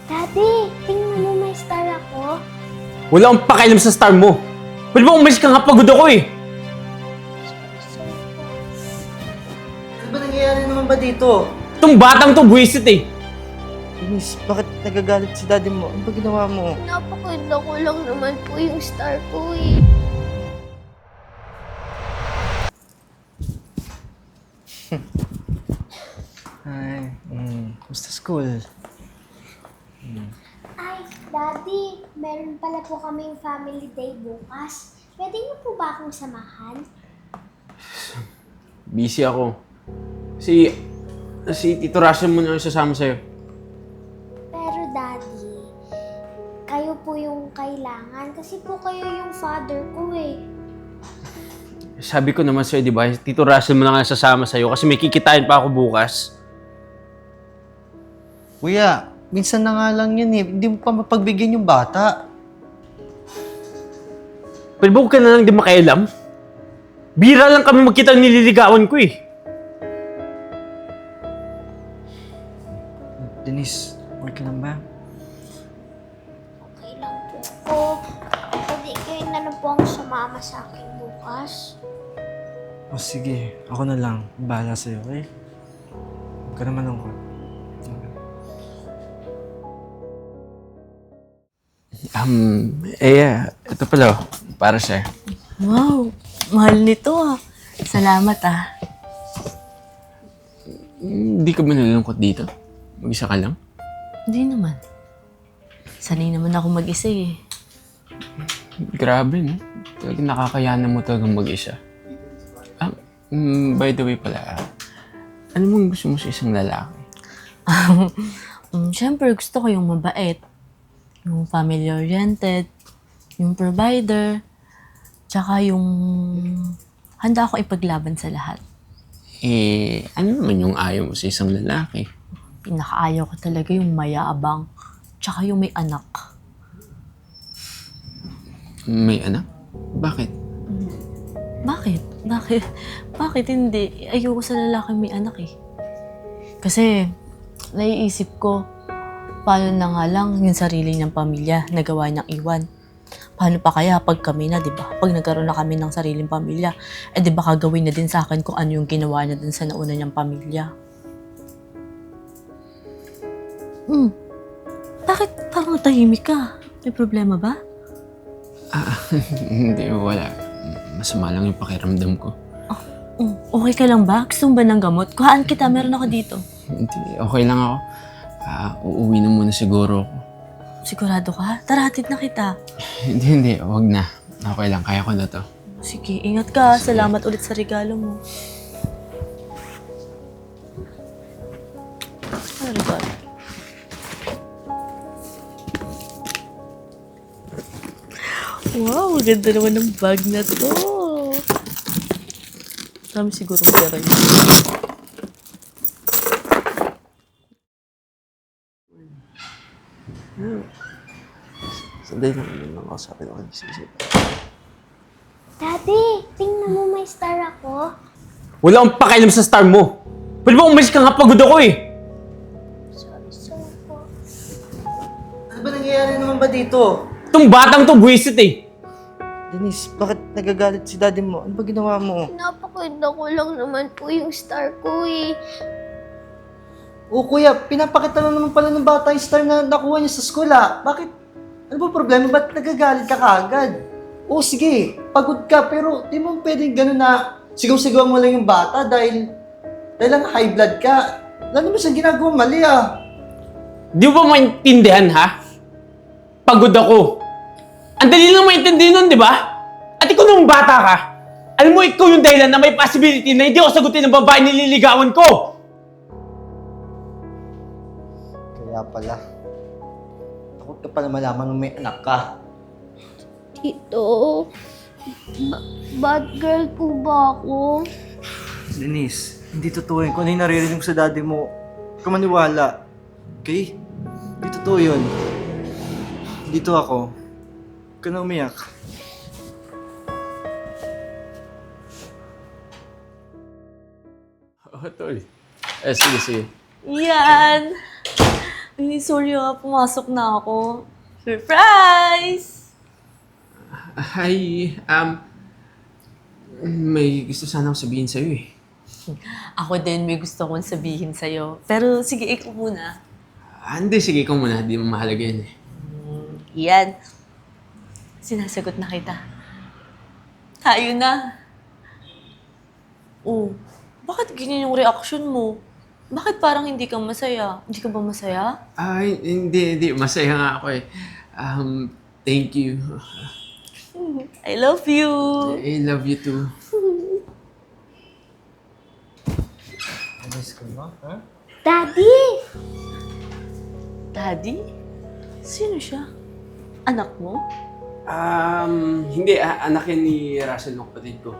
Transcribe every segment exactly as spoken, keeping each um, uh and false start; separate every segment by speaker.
Speaker 1: Daddy, tingnan mo may star ako.
Speaker 2: Wala akong pakialam sa star mo. Pwede ba umalis ka nga, pagod ako eh.
Speaker 3: Ano ba nangyayari naman ba dito?
Speaker 2: Itong batang to, buwisit eh.
Speaker 3: Denise, bakit nagagalit si daddy mo? Ano ba ginawa mo?
Speaker 1: Napakaganda ko lang naman po yung star ko eh.
Speaker 3: Ay, mm, kumusta school?
Speaker 1: Ay, Daddy, meron pala po kaming family day bukas. Pwede niyo po ba akong samahan?
Speaker 2: Busy ako. Si... Si Tito Russell mo na yung sasama sa'yo.
Speaker 1: Pero Daddy, kayo po yung kailangan kasi po kayo yung father ko eh.
Speaker 2: Sabi ko naman sa'yo, di ba? Tito Russell mo na nga sasama sa'yo kasi may kikitain pa ako bukas.
Speaker 3: Kuya, minsan na nga lang yun eh. Hindi mo pa mapagbigyan yung bata.
Speaker 2: Pwede ba huwag ka na lang di makialam? Bira lang kami magkita ng nililigawan ko eh.
Speaker 3: Denise, okay ka lang ba?
Speaker 1: Okay lang po ako. Pwede kayo na lang po ang sumama sa akin bukas.
Speaker 3: O sige, ako na lang. Bahala sa'yo, okay? Huwag ka naman lungkot.
Speaker 2: Um, eh, ito pala, oh, para sa'yo.
Speaker 4: Wow, mahal nito ah. Salamat ah.
Speaker 2: Hindi ka ba nalulungkot dito? Mag-isa ka lang?
Speaker 4: Hindi naman. Sanay naman ako mag-isa eh.
Speaker 2: Grabe, no? Talagang nakakayanan mo talagang mag-isa. Ah, mm, by the way pala, ah, ano mong gusto mo sa isang lalaki?
Speaker 4: um, Siyempre gusto ko yung mabait. Yung family-oriented. Yung provider. Tsaka yung handa ako ipaglaban sa lahat.
Speaker 2: Eh, ano naman yung ayaw mo sa isang lalaki?
Speaker 4: Pinakaayaw ko talaga yung mayabang. Tsaka yung may anak.
Speaker 2: May anak? Bakit?
Speaker 4: Bakit? Bakit? Bakit hindi? Ayoko sa lalaking may anak eh. Kasi, naiisip ko, paano na nga lang yung sarili niyang pamilya na gawa niyang iwan. Paano pa kaya pag kami na, di ba? Pag nagkaroon na kami ng sariling pamilya, eh di ba kagawin na din sa akin kung ano yung ginawa niya dun sa nauna niyang pamilya. Hmm. Bakit parang tahimik ka? May problema ba?
Speaker 2: Ah, hindi, wala. Masama lang yung pakiramdam ko.
Speaker 4: Oh, okay ka lang ba? Gusto mo ba ng gamot? Kuhaan kita, meron ako dito.
Speaker 2: Hindi, okay lang ako. Ah, uuwi na muna siguro ako.
Speaker 4: Sigurado ka? Tara, hatid na kita.
Speaker 2: Hindi, hindi. Huwag na. Okay lang. Kaya ko na to.
Speaker 4: Sige, ingat ka. Salamat ulit sa regalo mo. Ano regalo? Wow, ganda naman ng bag na to. Dami siguro pera yun.
Speaker 2: Sandali lang naman lang ako sa akin. Okay, sige, sige.
Speaker 1: Daddy, tingnan mo may star ako.
Speaker 2: Wala akong pakialam sa star mo. Pwede ba umalis ka nga, pagod ako eh.
Speaker 1: Sorry, sorry po.
Speaker 3: Ano ba nangyayari naman ba dito?
Speaker 2: Itong batang to, buwisit eh.
Speaker 3: Denise, bakit nagagalit si daddy mo? Ano ba ginawa mo?
Speaker 1: Napakaganda ko lang naman po yung star ko eh.
Speaker 3: O kuya, pinapakita lang naman pala ng bata yung star na nakuha niya sa school ah. Bakit? Ano ba problema? Ba't nagagalit ka kaagad? O sige, pagod ka pero di mo pwedeng gano'n na sigaw-sigaw mo lang yung bata dahil dahil lang high blood ka. Wala naman siyang ginagawa mali ah.
Speaker 2: Di mo ba maintindihan, ha? Pagod ako. Ang dali lang maintindihan nun, di ba? At ikaw nung bata ka, alam mo, ikaw yung dahilan na may possibility na hindi ako sagutin ng babae nililigawan ko.
Speaker 3: Kaya pala. Takot ka pala malaman nung may anak ka.
Speaker 1: Tito, ba- bad girl po ba ako?
Speaker 3: Denise, hindi totoo yun. Kung ano yung naririnig mo sa daddy mo, huwag ka maniwala. Okay? Hindi totoo yun. Dito ako. Huwag ka na umiyak.
Speaker 2: Oh, tol. Eh, sige, sige.
Speaker 4: Yan! Ay, sorry ah, pumasok na ako. Surprise!
Speaker 2: Hi, um, may gusto sana akong sabihin sa'yo eh.
Speaker 4: Ako din may gusto kong sabihin sa'yo. Pero sige, ikaw muna.
Speaker 2: Ah, hindi, sige, ikaw muna. Di mo mahalaga yan eh.
Speaker 4: Yan. Sinasagot na kita. Tayo na. Oh, bakit ganyan yung reaction mo? Bakit parang hindi ka masaya? Hindi ka ba masaya?
Speaker 2: Ay, hindi, hindi. Masaya nga ako eh. Um, thank you.
Speaker 4: I love you.
Speaker 2: I love you too.
Speaker 3: Miss ko mo, ha?
Speaker 1: Daddy!
Speaker 4: Daddy? Sino siya? Anak mo?
Speaker 2: Um, hindi. Ah, anak yan ni Russell ng kapatid ko.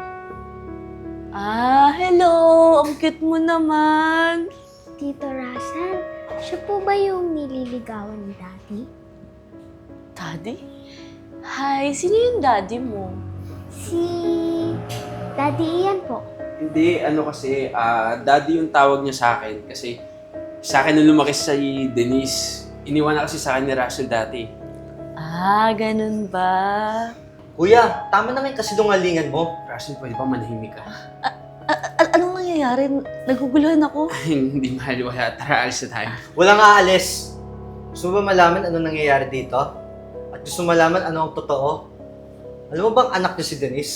Speaker 4: Ah, hello! Ang cute mo naman.
Speaker 1: Tito Russell, siya po ba yung nililigawan ni Daddy?
Speaker 4: Daddy? Hi, sino yung daddy mo?
Speaker 1: Si... Daddy Ian po.
Speaker 2: Hindi, ano kasi, ah, daddy yung tawag niya sa akin kasi sa akin nung lumaki si Denise. Iniwan na kasi sa akin ni Russell dati.
Speaker 4: Ah, ganun ba?
Speaker 3: Kuya, tama naman kasi dungalingan mo.
Speaker 2: Russell, pwede ba manahimik ka?
Speaker 4: A- anong nangyayari? Naguguluhan ako.
Speaker 2: Hindi mahal, wala. Tara, alis na tayo.
Speaker 3: Walang aalis. Gusto mo ba malaman ano nangyayari dito? At gusto mo malaman ano ang totoo? Alam mo bang anak niya si Denise?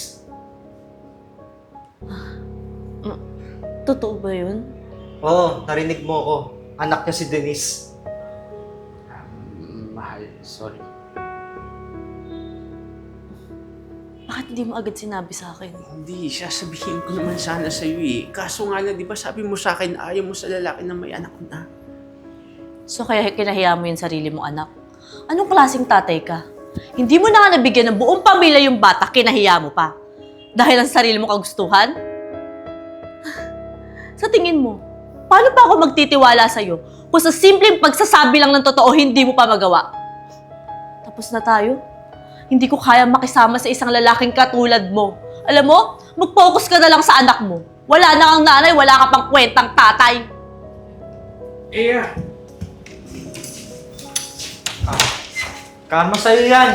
Speaker 4: Totoo ba yun?
Speaker 3: Oo, narinig mo ako. Anak niya si Denise.
Speaker 2: Um, mahal, sorry.
Speaker 4: Bakit hindi mo agad sinabi sa akin?
Speaker 2: Hindi, sasabihin ko naman sana sa'yo eh. Kaso nga lang, di ba sabi mo sa akin, ayaw mo sa lalaki na may anak na.
Speaker 4: So kaya kinahiya mo yung sarili mong anak? Anong klaseng tatay ka? Hindi mo na nga nabigyan ng buong pamilya yung bata, kinahiya mo pa. Dahil ang sarili mong kagustuhan? Sa tingin mo, paano pa ako magtitiwala sa'yo kung sa simpleng pagsasabi lang ng totoo, hindi mo pa magawa? Tapos na tayo? Hindi ko kaya makisama sa isang lalaking katulad mo. Alam mo, mag-focus ka na lang sa anak mo. Wala na kang nanay, wala ka pang kwentang tatay.
Speaker 2: Eh,
Speaker 3: Karma sa'yo yan!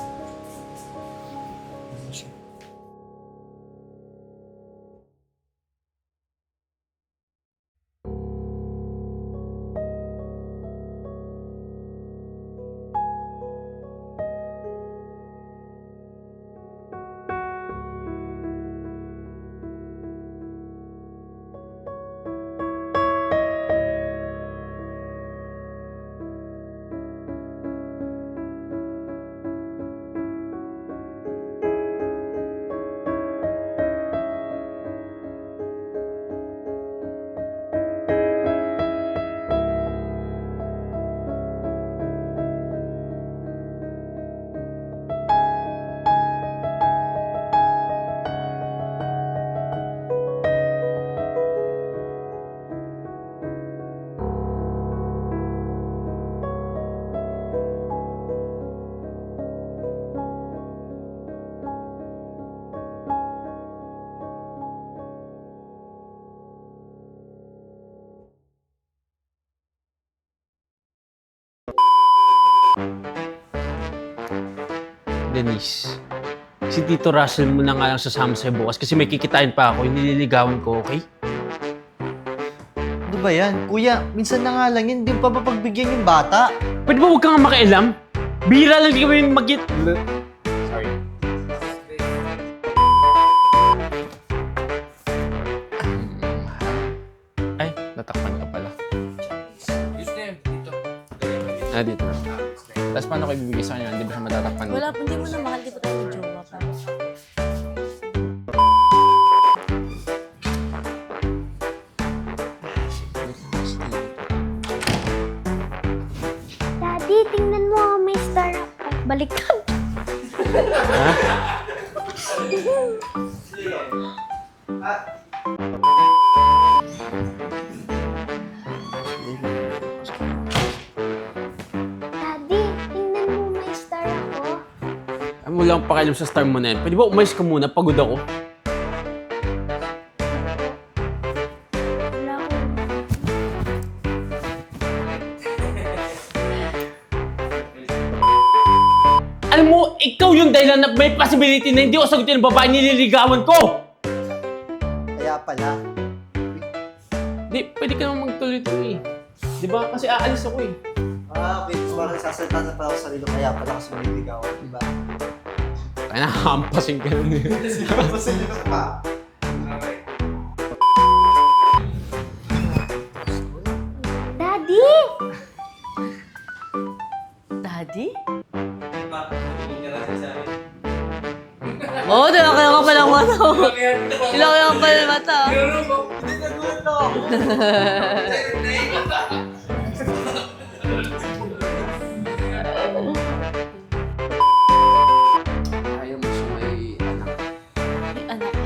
Speaker 2: Denise, si Tito Russell mo na nga lang sasama sa'yo bukas kasi may kikitain pa ako, yung nililigawan ko, okay?
Speaker 3: Ano ba yan? Kuya, minsan na nga lang yun, hindi pa mapagbigyan yung bata.
Speaker 2: Pwede ba huwag kang makialam? Bira lang di kami mag- Sorry. Ay, natakpan ka pala. Ah, dito na. Tapos paano ko ibibigay sa kanya? Hindi ba siya matatakpan dito?
Speaker 4: Wala, hindi mo na mahal, di ba tayo jowa pa?
Speaker 1: Daddy, tingnan mo, may star ako. Baliktad. Daddy, tingnan mo, may star ako.
Speaker 2: Ano mo lang pakialam sa star mo na yan? Pwede ba umayos ka muna? Pagod ako.
Speaker 1: Wala akong...
Speaker 2: Alam mo, ikaw yung dahilan na may possibility na hindi ako sagutin ng babae nililigawan ko!
Speaker 3: Kaya pala.
Speaker 2: Di, pwede ka naman magtuloy-tuloy. Di ba? Kasi aalis ako eh.
Speaker 3: Ah, okay. So, parang sasalita na pala ako sa sarili kaya pala kasi nililigawan, di ba?
Speaker 2: Kaya nakahampasin ka nun eh.
Speaker 3: Pasalita ka pa.
Speaker 1: Daddy!
Speaker 4: Daddy? Oo, oh, nilaki ka pa ng mata. Nilaki ka pa ng mata.
Speaker 3: Hindi, nagulat na ako.
Speaker 5: Ayaw mo siya may anak.
Speaker 4: May anak ka?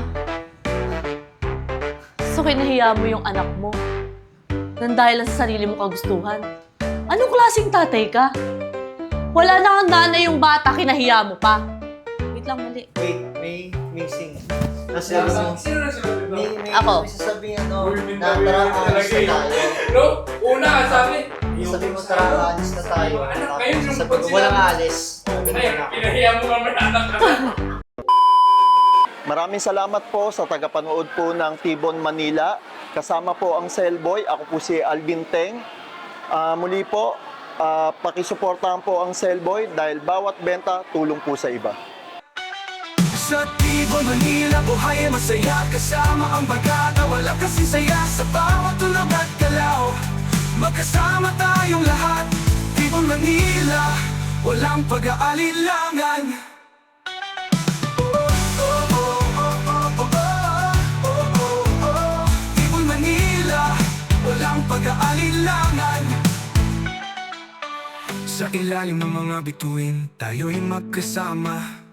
Speaker 4: So, kinahiya mo yung anak mo? Nang dahil lang sa sarili mong kagustuhan? Anong klaseng tatay ka? Wala na kang nanay yung bata, kinahiya mo pa. Wait lang, mali.
Speaker 3: Wait, may missing. Kasi ano,
Speaker 5: Sino na sila dito?
Speaker 3: may, may,
Speaker 4: Ako.
Speaker 3: may sasabihin ano, na tara, alis na tayo.
Speaker 5: No? Una ka sabi.
Speaker 3: Sabi mo, tara, alis na tayo.
Speaker 5: Anak, ngayon yung
Speaker 3: Sabi
Speaker 5: pag
Speaker 3: ko,
Speaker 5: sila-
Speaker 3: walang alis.
Speaker 5: Ay, pinahiya mo naman anak ka.
Speaker 6: Maraming salamat po sa tagapanood po ng Tibon Manila. Kasama po ang Cellboy. Ako po si Alvin Teng. Ah, muli po, ah, pakisuportahan po ang Cellboy dahil bawat benta tulong po sa iba.
Speaker 7: Sa Tibon, Manila, buhay ay masaya. Kasama ang bagata, wala kasi saya. Sa bawat tulog at galaw, magkasama tayong lahat. Tibon, Manila, walang pag-aalilangan. Tibon, Manila, walang pag-aalilangan. Sa ilalim ng mga bituin, tayo'y magkasama.